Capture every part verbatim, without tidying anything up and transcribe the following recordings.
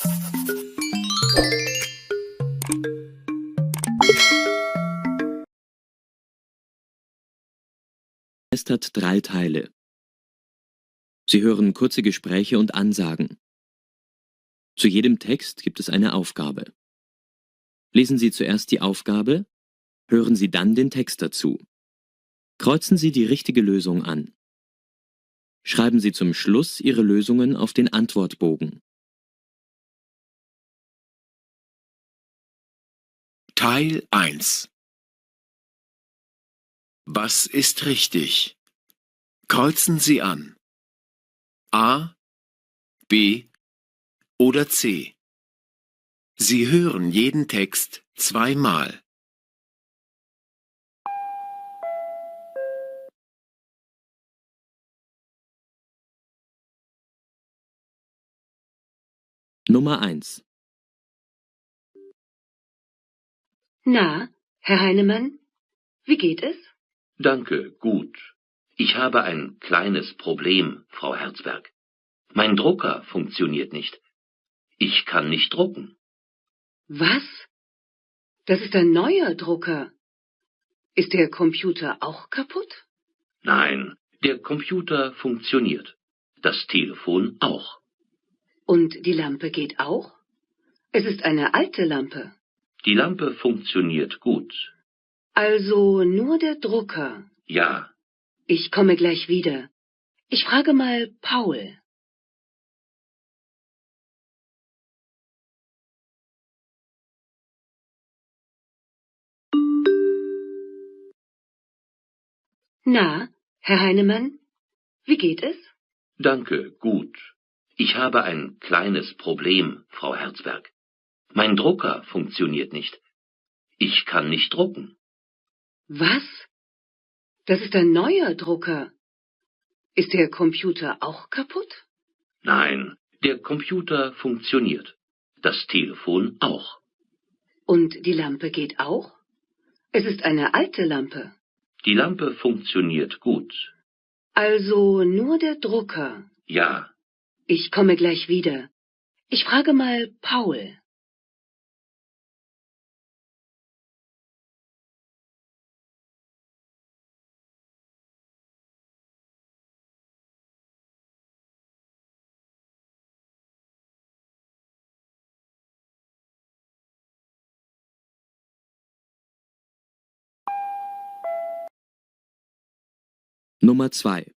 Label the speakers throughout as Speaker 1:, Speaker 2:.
Speaker 1: Es hat drei Teile. Sie hören kurze Gespräche und Ansagen. Zu jedem Text gibt es eine Aufgabe. Lesen Sie zuerst die Aufgabe, hören Sie dann den Text dazu. Kreuzen Sie die richtige Lösung an. Schreiben Sie zum Schluss Ihre Lösungen auf den Antwortbogen.
Speaker 2: Teil eins. Was ist richtig? Kreuzen Sie an. A, B oder C. Sie hören jeden Text zweimal.
Speaker 1: Nummer eins.
Speaker 3: Na, Herr Heinemann, wie geht es?
Speaker 4: Danke, gut. Ich habe ein kleines Problem, Frau Herzberg. Mein Drucker funktioniert nicht. Ich kann nicht drucken.
Speaker 3: Was? Das ist ein neuer Drucker. Ist der Computer auch kaputt?
Speaker 4: Nein, der Computer funktioniert. Das Telefon auch.
Speaker 3: Und die Lampe geht auch? Es ist eine alte Lampe.
Speaker 4: Die Lampe funktioniert gut.
Speaker 3: Also nur der Drucker.
Speaker 4: Ja.
Speaker 3: Ich komme gleich wieder. Ich frage mal Paul. Na, Herr Heinemann, wie geht es?
Speaker 4: Danke, gut. Ich habe ein kleines Problem, Frau Herzberg. Mein Drucker funktioniert nicht. Ich kann nicht drucken.
Speaker 3: Was? Das ist ein neuer Drucker. Ist der Computer auch kaputt?
Speaker 4: Nein, der Computer funktioniert. Das Telefon auch.
Speaker 3: Und die Lampe geht auch? Es ist eine alte Lampe.
Speaker 4: Die Lampe funktioniert gut.
Speaker 3: Also nur der Drucker.
Speaker 4: Ja.
Speaker 3: Ich komme gleich wieder. Ich frage mal Paul.
Speaker 1: Nummer zwei.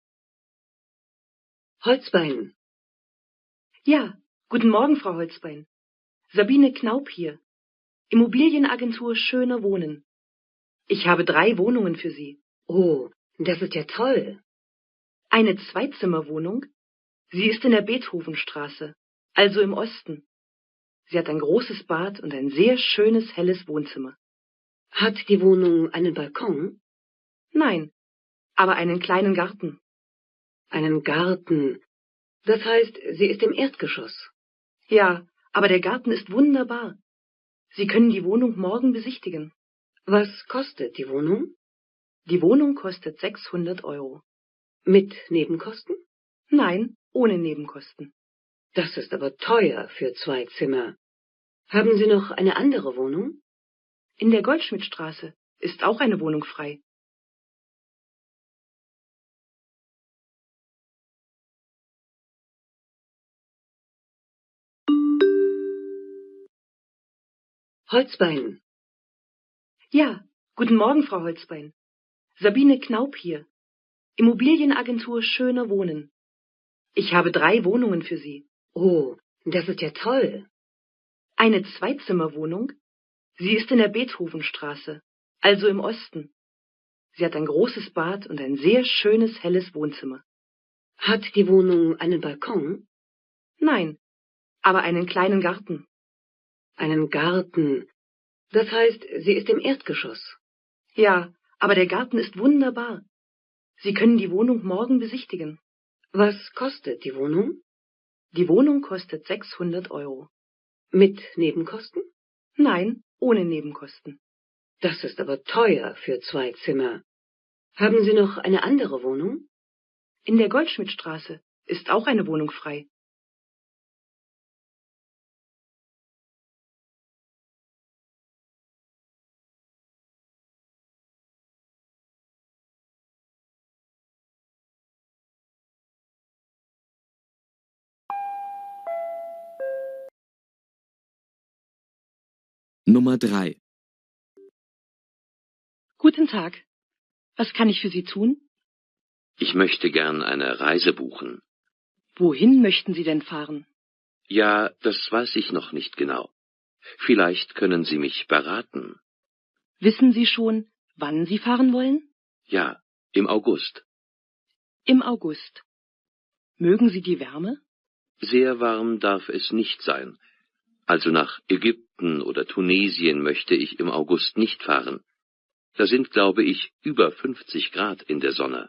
Speaker 3: Holzbein.
Speaker 5: Ja, guten Morgen, Frau Holzbein. Sabine Knaup hier. Immobilienagentur Schöner Wohnen. Ich habe drei Wohnungen für Sie.
Speaker 3: Oh, das ist ja toll.
Speaker 5: Eine Zweizimmerwohnung. Sie ist in der Beethovenstraße, also im Osten. Sie hat ein großes Bad und ein sehr schönes, helles Wohnzimmer.
Speaker 3: Hat die Wohnung einen Balkon?
Speaker 5: Nein, aber einen kleinen Garten.
Speaker 3: Einen Garten. Das heißt, sie ist im Erdgeschoss.
Speaker 5: Ja, aber der Garten ist wunderbar. Sie können die Wohnung morgen besichtigen.
Speaker 3: Was kostet die Wohnung?
Speaker 5: Die Wohnung kostet sechshundert Euro.
Speaker 3: Mit Nebenkosten?
Speaker 5: Nein, ohne Nebenkosten.
Speaker 3: Das ist aber teuer für zwei Zimmer. Haben Sie noch eine andere Wohnung?
Speaker 5: In der Goldschmidtstraße ist auch eine Wohnung frei.
Speaker 3: Holzbein.
Speaker 5: Ja, guten Morgen, Frau Holzbein. Sabine Knaup hier. Immobilienagentur Schöner Wohnen. Ich habe drei Wohnungen für Sie.
Speaker 3: Oh, das ist ja toll.
Speaker 5: Eine Zweizimmerwohnung. Sie ist in der Beethovenstraße, also im Osten. Sie hat ein großes Bad und ein sehr schönes, helles Wohnzimmer.
Speaker 3: Hat die Wohnung einen Balkon?
Speaker 5: Nein, aber einen kleinen Garten.
Speaker 3: Einen Garten. Das heißt, sie ist im Erdgeschoss.
Speaker 5: Ja, aber der Garten ist wunderbar. Sie können die Wohnung morgen besichtigen.
Speaker 3: Was kostet die Wohnung?
Speaker 5: Die Wohnung kostet sechshundert Euro.
Speaker 3: Mit Nebenkosten?
Speaker 5: Nein, ohne Nebenkosten.
Speaker 3: Das ist aber teuer für zwei Zimmer. Haben Sie noch eine andere Wohnung?
Speaker 5: In der Goldschmidtstraße ist auch eine Wohnung frei.
Speaker 1: Nummer drei.
Speaker 5: Guten Tag. Was kann ich für Sie tun?
Speaker 4: Ich möchte gern eine Reise buchen.
Speaker 5: Wohin möchten Sie denn fahren?
Speaker 4: Ja, das weiß ich noch nicht genau. Vielleicht können Sie mich beraten.
Speaker 5: Wissen Sie schon, wann Sie fahren wollen?
Speaker 4: Ja, im August.
Speaker 5: Im August. Mögen Sie die Wärme?
Speaker 4: Sehr warm darf es nicht sein. Also nach Ägypten oder Tunesien möchte ich im August nicht fahren. Da sind, glaube ich, über fünfzig Grad in der Sonne.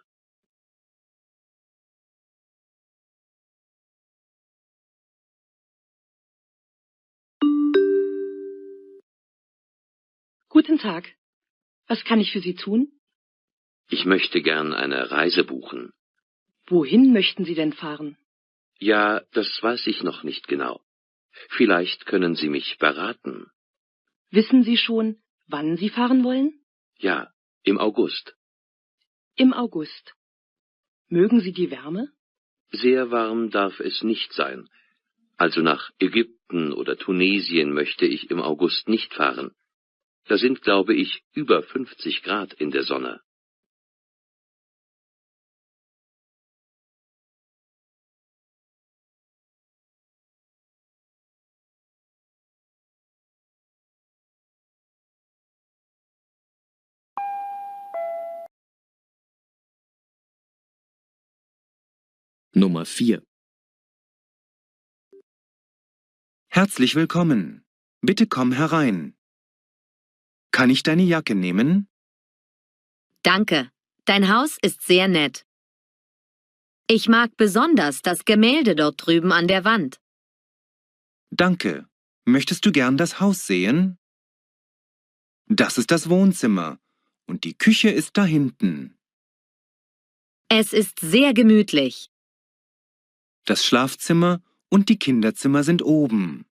Speaker 5: Guten Tag. Was kann ich für Sie tun?
Speaker 4: Ich möchte gern eine Reise buchen.
Speaker 5: Wohin möchten Sie denn fahren?
Speaker 4: Ja, das weiß ich noch nicht genau. Vielleicht können Sie mich beraten.
Speaker 5: Wissen Sie schon, wann Sie fahren wollen?
Speaker 4: Ja, im August.
Speaker 5: Im August. Mögen Sie die Wärme?
Speaker 4: Sehr warm darf es nicht sein. Also nach Ägypten oder Tunesien möchte ich im August nicht fahren. Da sind, glaube ich, über fünfzig Grad in der Sonne.
Speaker 1: Nummer vier.
Speaker 6: Herzlich willkommen. Bitte komm herein. Kann ich deine Jacke nehmen?
Speaker 7: Danke. Dein Haus ist sehr nett. Ich mag besonders das Gemälde dort drüben an der Wand.
Speaker 6: Danke. Möchtest du gern das Haus sehen? Das ist das Wohnzimmer und die Küche ist da hinten.
Speaker 7: Es ist sehr gemütlich.
Speaker 6: Das Schlafzimmer und die Kinderzimmer sind oben.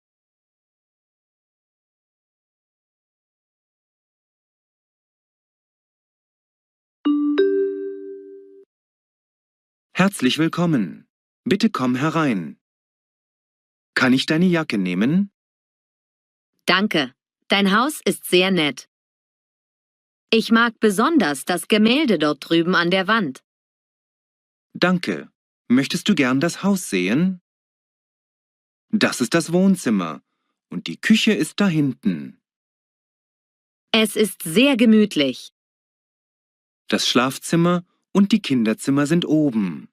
Speaker 6: Herzlich willkommen. Bitte komm herein. Kann ich deine Jacke nehmen?
Speaker 7: Danke. Dein Haus ist sehr nett. Ich mag besonders das Gemälde dort drüben an der Wand.
Speaker 6: Danke. Möchtest du gern das Haus sehen? Das ist das Wohnzimmer und die Küche ist da hinten.
Speaker 7: Es ist sehr gemütlich.
Speaker 6: Das Schlafzimmer und die Kinderzimmer sind oben.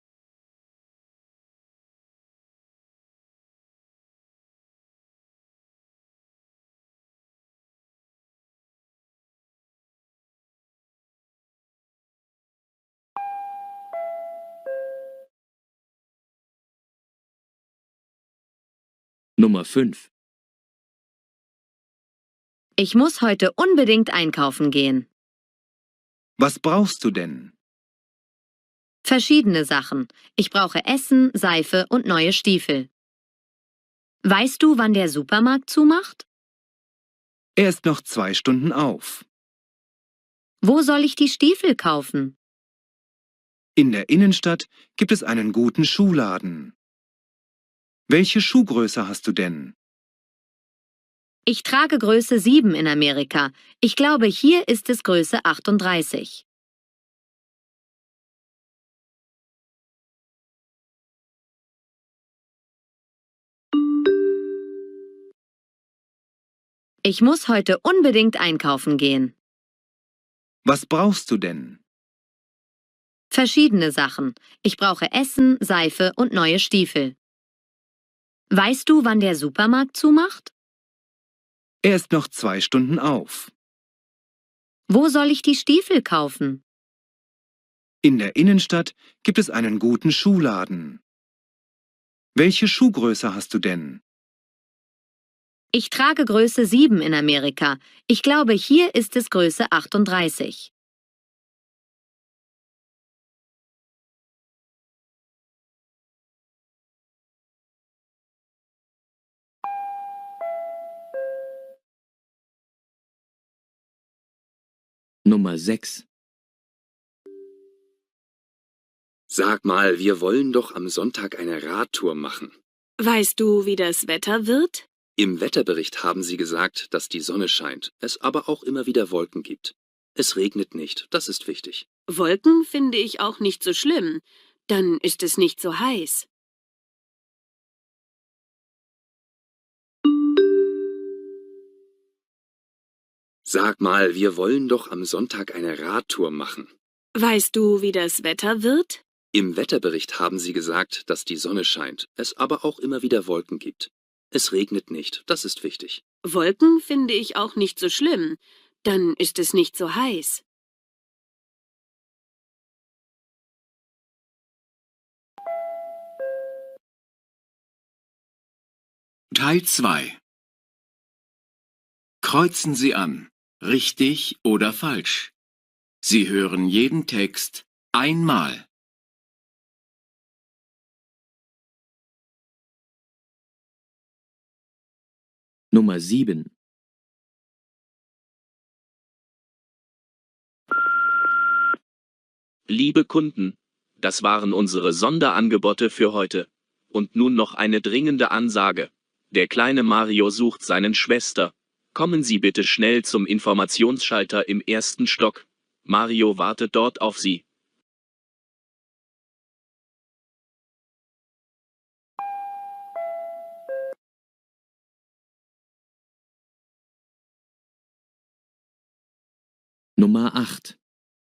Speaker 1: Nummer fünf.
Speaker 7: Ich muss heute unbedingt einkaufen gehen.
Speaker 6: Was brauchst du denn?
Speaker 7: Verschiedene Sachen. Ich brauche Essen, Seife und neue Stiefel. Weißt du, wann der Supermarkt zumacht?
Speaker 6: Er ist noch zwei Stunden auf.
Speaker 7: Wo soll ich die Stiefel kaufen?
Speaker 6: In der Innenstadt gibt es einen guten Schuhladen. Welche Schuhgröße hast du denn?
Speaker 7: Ich trage Größe sieben in Amerika. Ich glaube, hier ist es Größe achtunddreißig. Ich muss heute unbedingt einkaufen gehen.
Speaker 6: Was brauchst du denn?
Speaker 7: Verschiedene Sachen. Ich brauche Essen, Seife und neue Stiefel. Weißt du, wann der Supermarkt zumacht?
Speaker 6: Er ist noch zwei Stunden auf.
Speaker 7: Wo soll ich die Stiefel kaufen?
Speaker 6: In der Innenstadt gibt es einen guten Schuhladen. Welche Schuhgröße hast du denn?
Speaker 7: Ich trage Größe sieben in Amerika. Ich glaube, hier ist es Größe achtunddreißig.
Speaker 1: Nummer sechs.
Speaker 8: Sag mal, wir wollen doch am Sonntag eine Radtour machen.
Speaker 9: Weißt du, wie das Wetter wird?
Speaker 8: Im Wetterbericht haben Sie gesagt, dass die Sonne scheint, es aber auch immer wieder Wolken gibt. Es regnet nicht, das ist wichtig.
Speaker 9: Wolken finde ich auch nicht so schlimm. Dann ist es nicht so heiß.
Speaker 8: Sag mal, wir wollen doch am Sonntag eine Radtour machen.
Speaker 9: Weißt du, wie das Wetter wird?
Speaker 8: Im Wetterbericht haben Sie gesagt, dass die Sonne scheint, es aber auch immer wieder Wolken gibt. Es regnet nicht, das ist wichtig.
Speaker 9: Wolken finde ich auch nicht so schlimm. Dann ist es nicht so heiß.
Speaker 2: Teil zwei. Kreuzen Sie an, richtig oder falsch. Sie hören jeden Text einmal.
Speaker 1: Nummer sieben.
Speaker 10: Liebe Kunden, das waren unsere Sonderangebote für heute. Und nun noch eine dringende Ansage. Der kleine Mario sucht seinen Schwester. Kommen Sie bitte schnell zum Informationsschalter im ersten Stock. Mario wartet dort auf Sie.
Speaker 1: Nummer acht.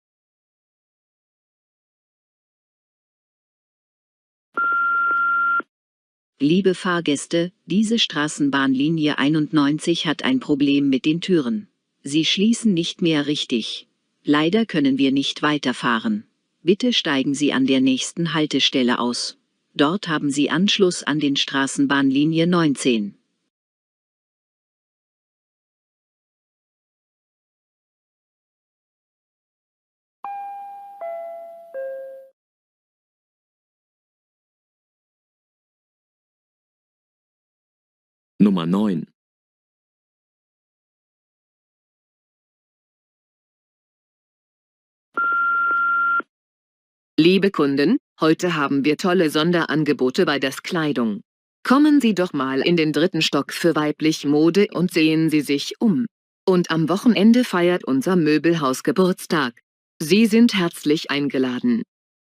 Speaker 11: Liebe Fahrgäste, diese Straßenbahnlinie einundneunzig hat ein Problem mit den Türen. Sie schließen nicht mehr richtig. Leider können wir nicht weiterfahren. Bitte steigen Sie an der nächsten Haltestelle aus. Dort haben Sie Anschluss an den Straßenbahnlinie neunzehn.
Speaker 1: Nummer neun.
Speaker 12: Liebe Kunden, heute haben wir tolle Sonderangebote bei das Kleidung. Kommen Sie doch mal in den dritten Stock für weiblich Mode und sehen Sie sich um. Und am Wochenende feiert unser Möbelhaus Geburtstag. Sie sind herzlich eingeladen.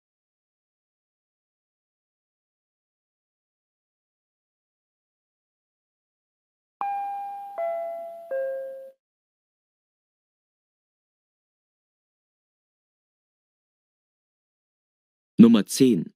Speaker 1: Nummer zehn.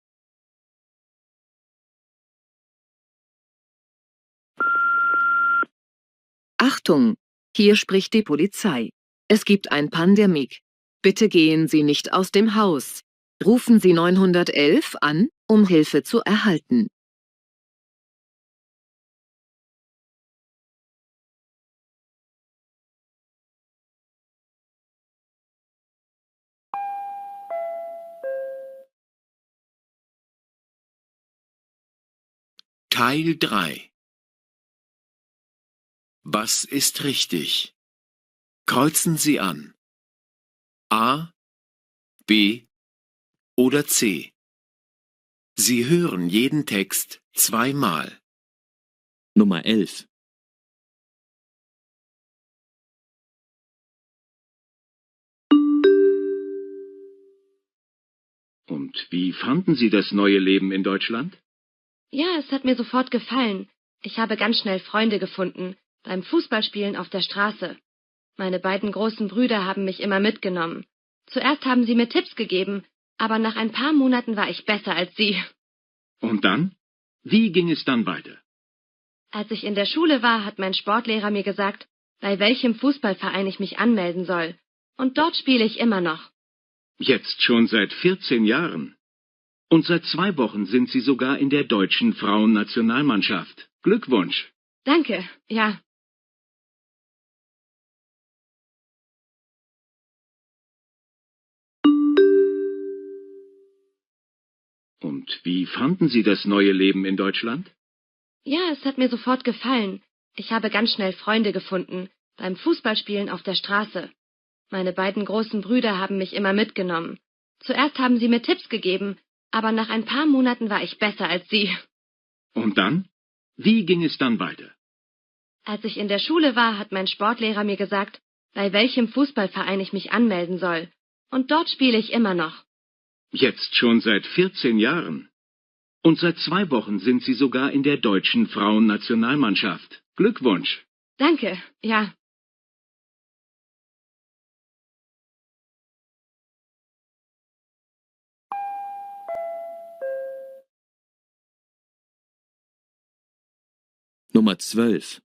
Speaker 12: Achtung, hier spricht die Polizei. Es gibt ein Pandemie. Bitte gehen Sie nicht aus dem Haus. Rufen Sie neunhundertelf an, um Hilfe zu erhalten.
Speaker 2: Teil drei. Was ist richtig? Kreuzen Sie an. A, B oder C. Sie hören jeden Text zweimal.
Speaker 1: Nummer elf.
Speaker 13: Und wie fanden Sie das neue Leben in Deutschland?
Speaker 14: Ja, es hat mir sofort gefallen. Ich habe ganz schnell Freunde gefunden, beim Fußballspielen auf der Straße. Meine beiden großen Brüder haben mich immer mitgenommen. Zuerst haben sie mir Tipps gegeben, aber nach ein paar Monaten war ich besser als sie.
Speaker 13: Und dann? Wie ging es dann weiter?
Speaker 14: Als ich in der Schule war, hat mein Sportlehrer mir gesagt, bei welchem Fußballverein ich mich anmelden soll. Und dort spiele ich immer noch.
Speaker 13: Jetzt schon seit vierzehn Jahren. Und seit zwei Wochen sind Sie sogar in der deutschen Frauennationalmannschaft. Glückwunsch.
Speaker 14: Danke, ja.
Speaker 13: Und wie fanden Sie das neue Leben in Deutschland?
Speaker 14: Ja, es hat mir sofort gefallen. Ich habe ganz schnell Freunde gefunden, beim Fußballspielen auf der Straße. Meine beiden großen Brüder haben mich immer mitgenommen. Zuerst haben sie mir Tipps gegeben, aber nach ein paar Monaten war ich besser als sie.
Speaker 13: Und dann? Wie ging es dann weiter?
Speaker 14: Als ich in der Schule war, hat mein Sportlehrer mir gesagt, bei welchem Fußballverein ich mich anmelden soll. Und dort spiele ich immer noch.
Speaker 13: Jetzt schon seit vierzehn Jahren. Und seit zwei Wochen sind Sie sogar in der deutschen Frauennationalmannschaft. Glückwunsch.
Speaker 14: Danke, ja.
Speaker 1: Nummer zwölf.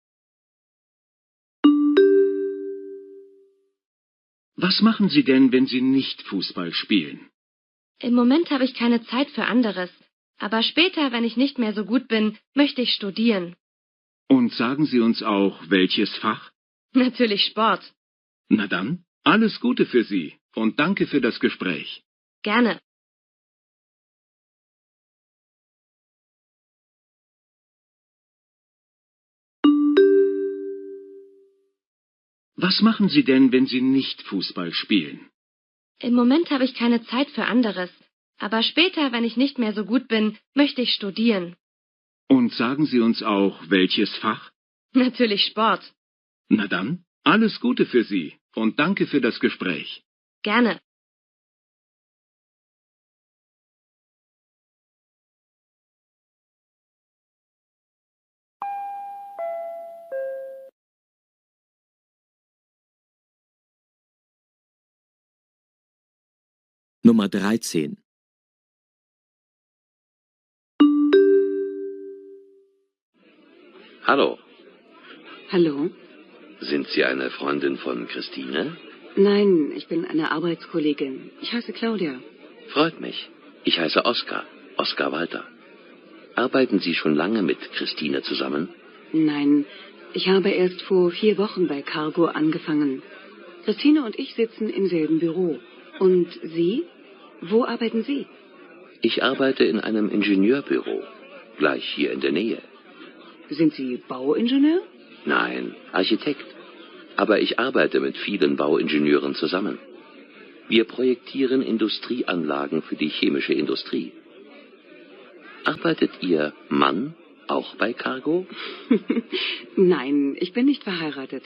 Speaker 13: Was machen Sie denn, wenn Sie nicht Fußball spielen?
Speaker 14: Im Moment habe ich keine Zeit für anderes. Aber später, wenn ich nicht mehr so gut bin, möchte ich studieren.
Speaker 13: Und sagen Sie uns auch, welches Fach?
Speaker 14: Natürlich Sport.
Speaker 13: Na dann, alles Gute für Sie und danke für das Gespräch.
Speaker 14: Gerne.
Speaker 13: Was machen Sie denn, wenn Sie nicht Fußball spielen?
Speaker 14: Im Moment habe ich keine Zeit für anderes. Aber später, wenn ich nicht mehr so gut bin, möchte ich studieren.
Speaker 13: Und sagen Sie uns auch, welches Fach?
Speaker 14: Natürlich Sport.
Speaker 13: Na dann, alles Gute für Sie und danke für das Gespräch.
Speaker 14: Gerne.
Speaker 1: Nummer dreizehn.
Speaker 4: Hallo,
Speaker 3: Hallo?
Speaker 4: sind Sie eine Freundin von Christine?
Speaker 3: Nein, ich bin eine Arbeitskollegin. Ich heiße Claudia.
Speaker 4: Freut mich. Ich heiße Oskar, Oskar Walter. Arbeiten Sie schon lange mit Christine zusammen?
Speaker 3: Nein, ich habe erst vor vier Wochen bei Cargo angefangen. Christine und ich sitzen im selben Büro. Und Sie? Wo arbeiten Sie?
Speaker 4: Ich arbeite in einem Ingenieurbüro, gleich hier in der Nähe.
Speaker 3: Sind Sie Bauingenieur?
Speaker 4: Nein, Architekt. Aber ich arbeite mit vielen Bauingenieuren zusammen. Wir projektieren Industrieanlagen für die chemische Industrie. Arbeitet Ihr Mann auch bei Cargo?
Speaker 3: Nein, ich bin nicht verheiratet.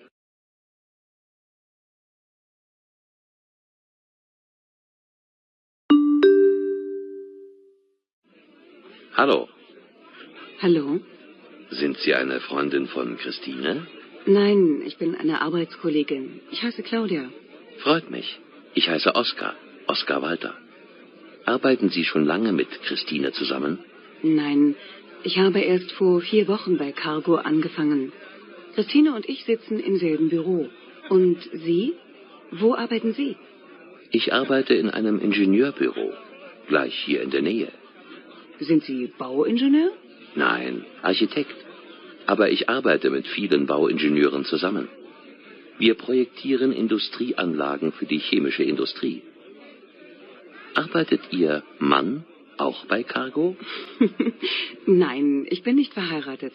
Speaker 4: Hallo,
Speaker 3: Hallo?
Speaker 4: sind Sie eine Freundin von Christine?
Speaker 3: Nein, ich bin eine Arbeitskollegin. Ich heiße Claudia.
Speaker 4: Freut mich. Ich heiße Oskar, Oskar Walter. Arbeiten Sie schon lange mit Christine zusammen?
Speaker 3: Nein, ich habe erst vor vier Wochen bei Cargo angefangen. Christine und ich sitzen im selben Büro. Und Sie? Wo arbeiten Sie?
Speaker 4: Ich arbeite in einem Ingenieurbüro, gleich hier in der Nähe.
Speaker 3: Sind Sie Bauingenieur?
Speaker 4: Nein, Architekt. Aber ich arbeite mit vielen Bauingenieuren zusammen. Wir projektieren Industrieanlagen für die chemische Industrie. Arbeitet Ihr Mann auch bei Cargo?
Speaker 3: Nein, ich bin nicht verheiratet.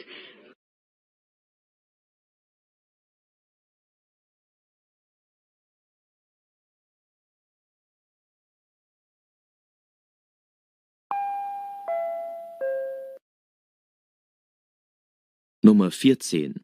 Speaker 1: Nummer vierzehn.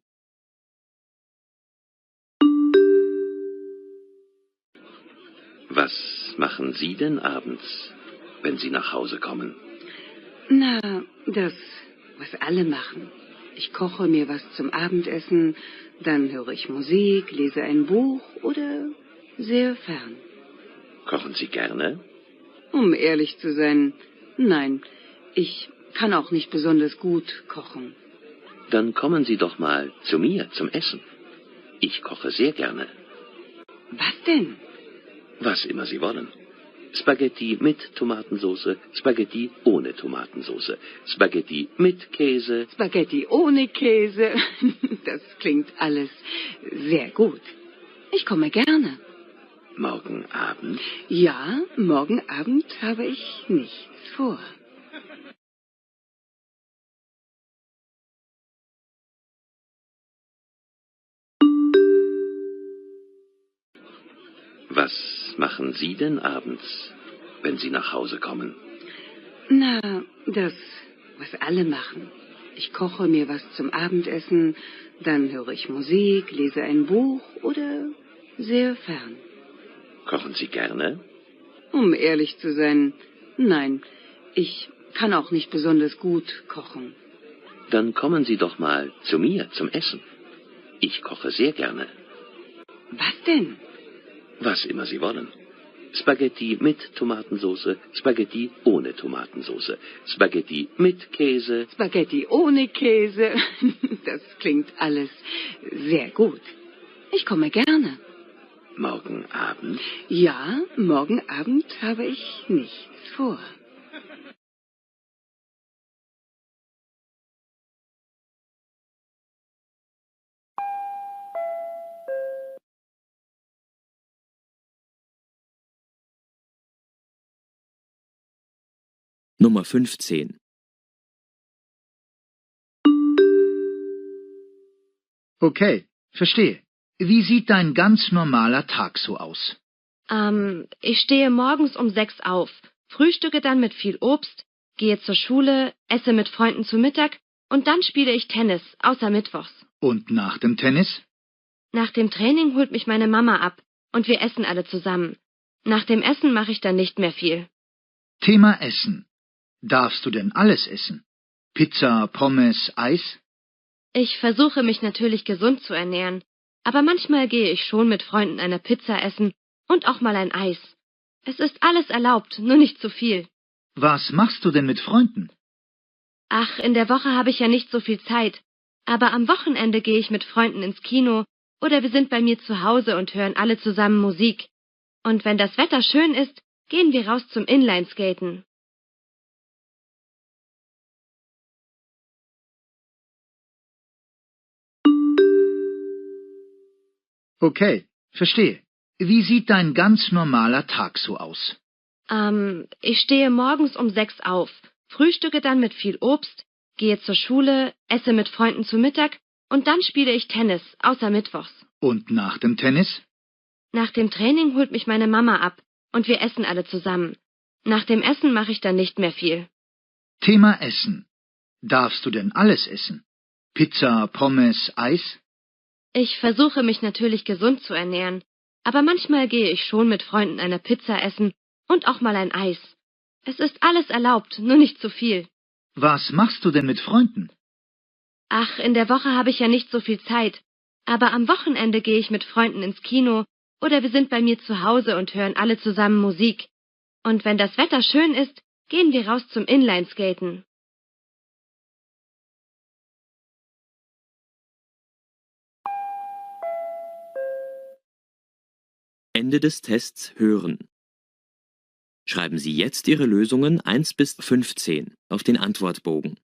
Speaker 4: Was machen Sie denn abends, wenn Sie nach Hause kommen?
Speaker 3: Na, das, was alle machen. Ich koche mir was zum Abendessen, dann höre ich Musik, lese ein Buch oder sehr fern.
Speaker 4: Kochen Sie gerne?
Speaker 3: Um ehrlich zu sein, nein, ich kann auch nicht besonders gut kochen.
Speaker 4: Dann kommen Sie doch mal zu mir zum Essen. Ich koche sehr gerne.
Speaker 3: Was denn?
Speaker 4: Was immer Sie wollen. Spaghetti mit Tomatensauce, Spaghetti ohne Tomatensauce, Spaghetti mit Käse.
Speaker 3: Spaghetti ohne Käse. Das klingt alles sehr gut. Ich komme gerne.
Speaker 4: Morgen Abend?
Speaker 3: Ja, morgen Abend habe ich nichts vor.
Speaker 4: Was machen Sie denn abends, wenn Sie nach Hause kommen?
Speaker 3: Na, das, was alle machen. Ich koche mir was zum Abendessen, dann höre ich Musik, lese ein Buch oder sehr fern.
Speaker 4: Kochen Sie gerne?
Speaker 3: Um ehrlich zu sein, nein, ich kann auch nicht besonders gut kochen.
Speaker 4: Dann kommen Sie doch mal zu mir zum Essen. Ich koche sehr gerne.
Speaker 3: Was denn?
Speaker 4: Was immer Sie wollen. Spaghetti mit Tomatensauce, Spaghetti ohne Tomatensauce, Spaghetti mit Käse.
Speaker 3: Spaghetti ohne Käse. Das klingt alles sehr gut. Ich komme gerne.
Speaker 4: Morgen Abend?
Speaker 3: Ja, morgen Abend habe ich nichts vor.
Speaker 1: Nummer fünfzehn.
Speaker 15: Okay, verstehe. Wie sieht dein ganz normaler Tag so aus?
Speaker 14: Ähm, ich stehe morgens um sechs auf, frühstücke dann mit viel Obst, gehe zur Schule, esse mit Freunden zu Mittag und dann spiele ich Tennis, außer mittwochs.
Speaker 15: Und nach dem Tennis?
Speaker 14: Nach dem Training holt mich meine Mama ab und wir essen alle zusammen. Nach dem Essen mache ich dann nicht mehr viel.
Speaker 15: Thema Essen. Darfst du denn alles essen? Pizza, Pommes, Eis?
Speaker 14: Ich versuche mich natürlich gesund zu ernähren, aber manchmal gehe ich schon mit Freunden eine Pizza essen und auch mal ein Eis. Es ist alles erlaubt, nur nicht zu viel.
Speaker 15: Was machst du denn mit Freunden?
Speaker 14: Ach, in der Woche habe ich ja nicht so viel Zeit, aber am Wochenende gehe ich mit Freunden ins Kino oder wir sind bei mir zu Hause und hören alle zusammen Musik. Und wenn das Wetter schön ist, gehen wir raus zum Inlineskaten.
Speaker 15: Okay, verstehe. Wie sieht dein ganz normaler Tag so aus?
Speaker 14: Ähm, ich stehe morgens um sechs auf, frühstücke dann mit viel Obst, gehe zur Schule, esse mit Freunden zu Mittag und dann spiele ich Tennis, außer mittwochs.
Speaker 15: Und nach dem Tennis?
Speaker 14: Nach dem Training holt mich meine Mama ab und wir essen alle zusammen. Nach dem Essen mache ich dann nicht mehr viel.
Speaker 15: Thema Essen. Darfst du denn alles essen? Pizza, Pommes, Eis?
Speaker 14: Ich versuche mich natürlich gesund zu ernähren, aber manchmal gehe ich schon mit Freunden eine Pizza essen und auch mal ein Eis. Es ist alles erlaubt, nur nicht zu viel.
Speaker 15: Was machst du denn mit Freunden?
Speaker 14: Ach, in der Woche habe ich ja nicht so viel Zeit, aber am Wochenende gehe ich mit Freunden ins Kino oder wir sind bei mir zu Hause und hören alle zusammen Musik. Und wenn das Wetter schön ist, gehen wir raus zum Inlineskaten.
Speaker 1: Ende des Tests hören. Schreiben Sie jetzt Ihre Lösungen eins bis fünfzehn auf den Antwortbogen.